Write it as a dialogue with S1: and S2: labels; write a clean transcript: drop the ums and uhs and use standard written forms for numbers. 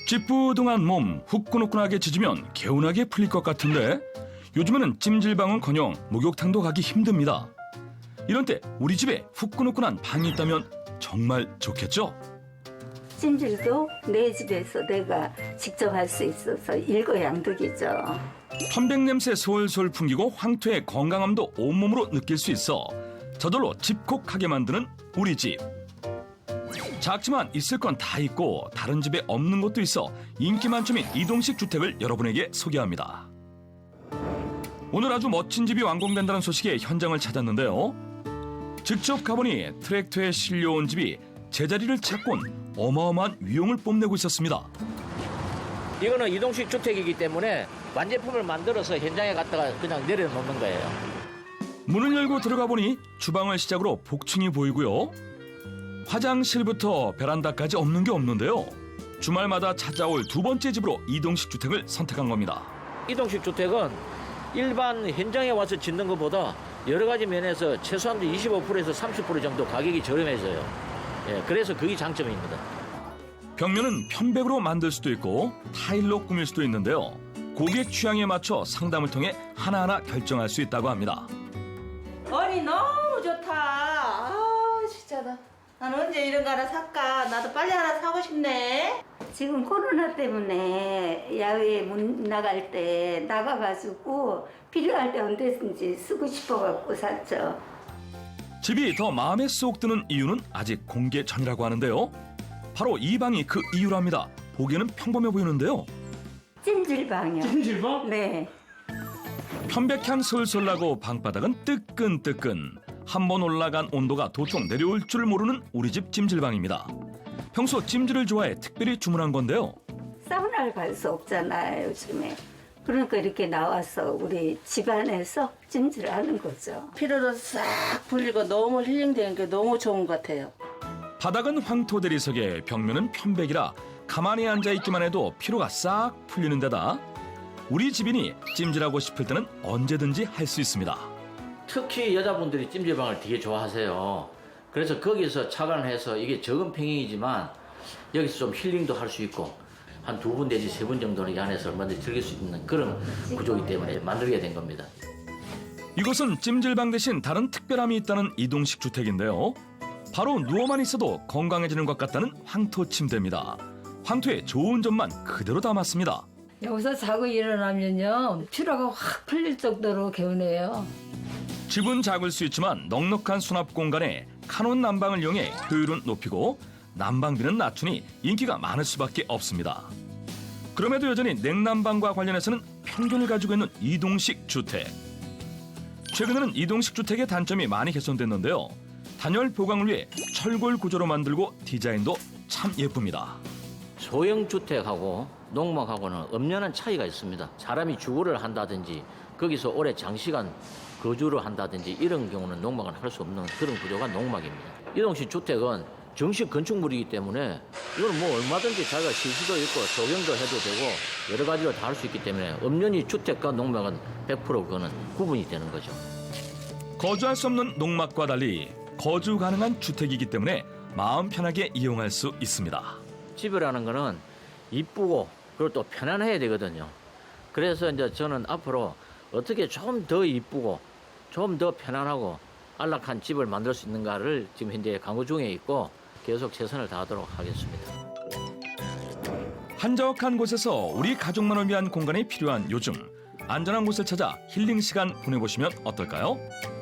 S1: 찌뿌둥한 몸 후끈후끈하게 짖으면 개운하게 풀릴 것 같은데 요즘에는 찜질방은커녕 목욕탕도 가기 힘듭니다. 이런 때 우리 집에 후끈후끈한 방이 있다면 정말 좋겠죠?
S2: 찜질도 내 집에서 내가 직접 할 수 있어서 일거양득이죠.
S1: 편백 냄새 솔솔 풍기고 황토의 건강함도 온몸으로 느낄 수 있어 저절로 집콕하게 만드는 우리 집. 작지만 있을 건 다 있고 다른 집에 없는 것도 있어 인기 만점인 이동식 주택을 여러분에게 소개합니다. 오늘 아주 멋진 집이 완공된다는 소식에 현장을 찾았는데요. 직접 가보니 트랙터에 실려온 집이 제자리를 찾곤 어마어마한 위용을 뽐내고 있었습니다.
S3: 이거는 이동식 주택이기 때문에 완제품을 만들어서 현장에 갖다가 그냥 내려놓는 거예요.
S1: 문을 열고 들어가 보니 주방을 시작으로 복층이 보이고요. 화장실부터 베란다까지 없는 게 없는데요. 주말마다 찾아올 두 번째 집으로 이동식 주택을 선택한 겁니다.
S3: 이동식 주택은 일반 현장에 와서 짓는 것보다 여러 가지 면에서 최소한 25%에서 30% 정도 가격이 저렴해져요. 예, 그래서 그게 장점입니다.
S1: 벽면은 편백으로 만들 수도 있고 타일로 꾸밀 수도 있는데요. 고객 취향에 맞춰 상담을 통해 하나하나 결정할 수 있다고 합니다.
S4: 아니 너무 좋다. 아 진짜 난 언제 이런 거 하나 살까? 나도 빨리 하나 사고 싶네.
S2: 지금 코로나 때문에 야외에 못 나갈 때 나가가지고 필요할 때 언제든지 쓰고 싶어갖고 샀죠.
S1: 집이 더 마음에 쏙 드는 이유는 아직 공개 전이라고 하는데요. 바로 이 방이 그 이유랍니다. 보기에는 평범해 보이는데요.
S2: 찜질방이요.
S5: 찜질방?
S2: 네.
S1: 편백향 솔솔 나고 방바닥은 뜨끈뜨끈. 한 번 올라간 온도가 도통 내려올 줄 모르는 우리 집 찜질방입니다. 평소 찜질을 좋아해 특별히 주문한 건데요.
S2: 사우나를 갈 수 없잖아요, 요즘에. 그러니까 이렇게 나와서 우리 집안에서 찜질을 하는 거죠.
S4: 피로도 싹 풀리고 너무 힐링되는 게 너무 좋은 것 같아요.
S1: 바닥은 황토 대리석에 벽면은 편백이라 가만히 앉아있기만 해도 피로가 싹 풀리는 데다 우리 집이니 찜질하고 싶을 때는 언제든지 할 수 있습니다.
S3: 특히 여자분들이 찜질방을 되게 좋아하세요. 그래서 거기서 착안해서 이게 적은 평형이지만 여기서 좀 힐링도 할 수 있고 한 2분 내지 3분 정도는 이 안에서 얼마든지 즐길 수 있는 그런 구조이기 때문에 만들게 된 겁니다.
S1: 이곳은 찜질방 대신 다른 특별함이 있다는 이동식 주택인데요. 바로 누워만 있어도 건강해지는 것 같다는 황토 침대입니다. 황토의 좋은 점만 그대로 담았습니다.
S6: 여기서 자고 일어나면요 피로가 확 풀릴 정도로 개운해요.
S1: 집은 작을 수 있지만 넉넉한 수납 공간에 카논 난방을 이용해 효율은 높이고 난방비는 낮추니 인기가 많을 수밖에 없습니다. 그럼에도 여전히 냉난방과 관련해서는 편견을 가지고 있는 이동식 주택. 최근에는 이동식 주택의 단점이 많이 개선됐는데요. 단열 보강을 위해 철골 구조로 만들고 디자인도 참 예쁩니다.
S3: 소형 주택하고 농막하고는 엄연한 차이가 있습니다. 사람이 주거를 한다든지 거기서 오래 장시간 거주를 한다든지 이런 경우는 농막은 할 수 없는 그런 구조가 농막입니다. 이동식 주택은 정식 건축물이기 때문에 이건 뭐 얼마든지 자기가 쉴 수도 있고 조경도 해도 되고 여러 가지로 다 할 수 있기 때문에 엄연히 주택과 농막은 100% 그거는 구분이 되는 거죠.
S1: 거주할 수 없는 농막과 달리 거주 가능한 주택이기 때문에 마음 편하게 이용할 수 있습니다.
S3: 집이라는 거는 이쁘고 그리고 또 편안해야 되거든요. 그래서 이제 저는 앞으로 어떻게 좀 더 이쁘고 좀 더 편안하고 안락한 집을 만들 수 있는가를 지금 현재 강구 중에 있고 계속 최선을 다하도록 하겠습니다.
S1: 한적한 곳에서 우리 가족만을 위한 공간이 필요한 요즘 안전한 곳을 찾아 힐링 시간 보내보시면 어떨까요?